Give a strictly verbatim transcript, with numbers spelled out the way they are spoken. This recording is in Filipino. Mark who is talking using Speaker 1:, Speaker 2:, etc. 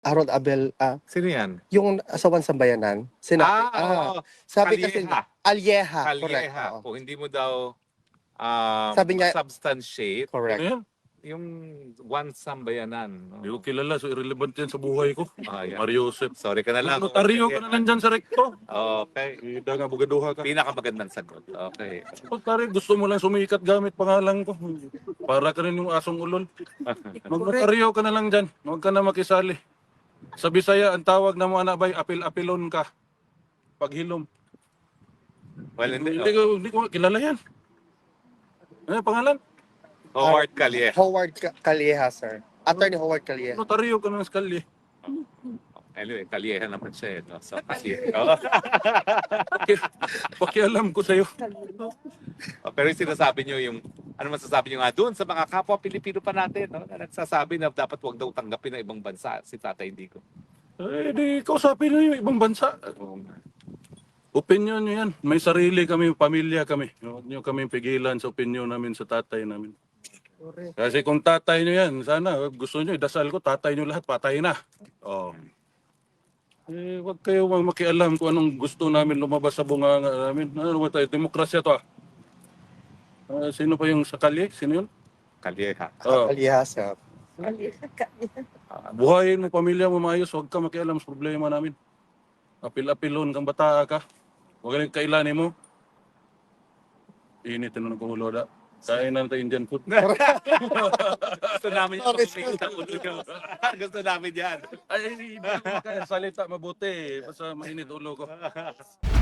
Speaker 1: Harold Abel, ah,
Speaker 2: Sino yan?
Speaker 1: yung asawan sa bayanan, sinabi,
Speaker 2: Ah, oo.
Speaker 1: sabi kasi,
Speaker 2: Kalyeha.
Speaker 1: Alyeha, correct,
Speaker 2: Kalyeha.
Speaker 1: oo.
Speaker 2: Kung hindi mo daw um,
Speaker 1: Sabi niya,
Speaker 2: substantiate,
Speaker 1: correct.
Speaker 3: Ano yan?
Speaker 2: yung one sambayanan.
Speaker 3: Hindi ko kilala, so irrelevant yan sa buhay ko.
Speaker 2: Ah, yan.
Speaker 3: Mario Joseph.
Speaker 2: Sorry ka na lang.
Speaker 3: Notaryo ka na lang dyan sa rekto.
Speaker 2: Okay.
Speaker 3: Ida nga, bugaduha ka.
Speaker 2: Pinakamagandang sagot. Okay.
Speaker 3: Notaryo, gusto mo lang sumikat gamit pangalan ko. Para ka rin yung asong ulol. Mag-notaryo ka na lang dyan. Huwag ka na makisali. Sa Bisaya, ang tawag na mga anabay, apil-apilon ka. Paghilom.
Speaker 2: Well, hindi.
Speaker 3: Hindi ko, hindi ko kilala yan. Ano yung pangalan?
Speaker 2: Howard Kalyeha.
Speaker 1: Howard Ka- Calleja, sir. Attorney Howard Calleja.
Speaker 3: Notaryo ka ng skalye.
Speaker 2: Anyway, Kalyeha naman siya. Eh, no? So, kasi,
Speaker 3: Pakialam ko sa'yo.
Speaker 2: oh, pero yung sinasabi nyo yung, ano masasabi nyo nga doon sa mga kapwa Pilipino pa natin, no? Na nagsasabi na dapat wag daw tanggapin ng ibang bansa si Tatay Indigo.
Speaker 3: Eh, di kausapin na yung ibang bansa. Opinion nyo yan. May sarili kami, pamilya kami. Huwag nyo kami pigilan sa opinion namin sa tatay namin. Kasi kung tatay nyo yan, sana gusto nyo, idasal ko, tatay nyo lahat, patay na. Oh. Eh, wag kayo makialam kung anong gusto namin lumabas sa bunganga namin. Ano ba tayo? Demokrasya to ah. Ah, sino pa yung sakali? Sino yun?
Speaker 2: Kalyeha.
Speaker 3: Oh.
Speaker 1: Calleja, sir.
Speaker 3: Buhayin mo, pamilya mo maayos, huwag ka makialam sa problema namin. Apil-apilon kang bata ka. Huwag ka kailanin mo. Init na ng kumulo da. Kain na natin Indian food.
Speaker 2: Gusto namin yung
Speaker 1: Sorry,
Speaker 2: pagpipig ng ulo nyo. Gusto namin yan.
Speaker 3: Ay, hindi mo salita mabuti. Basta mainit ulo ko.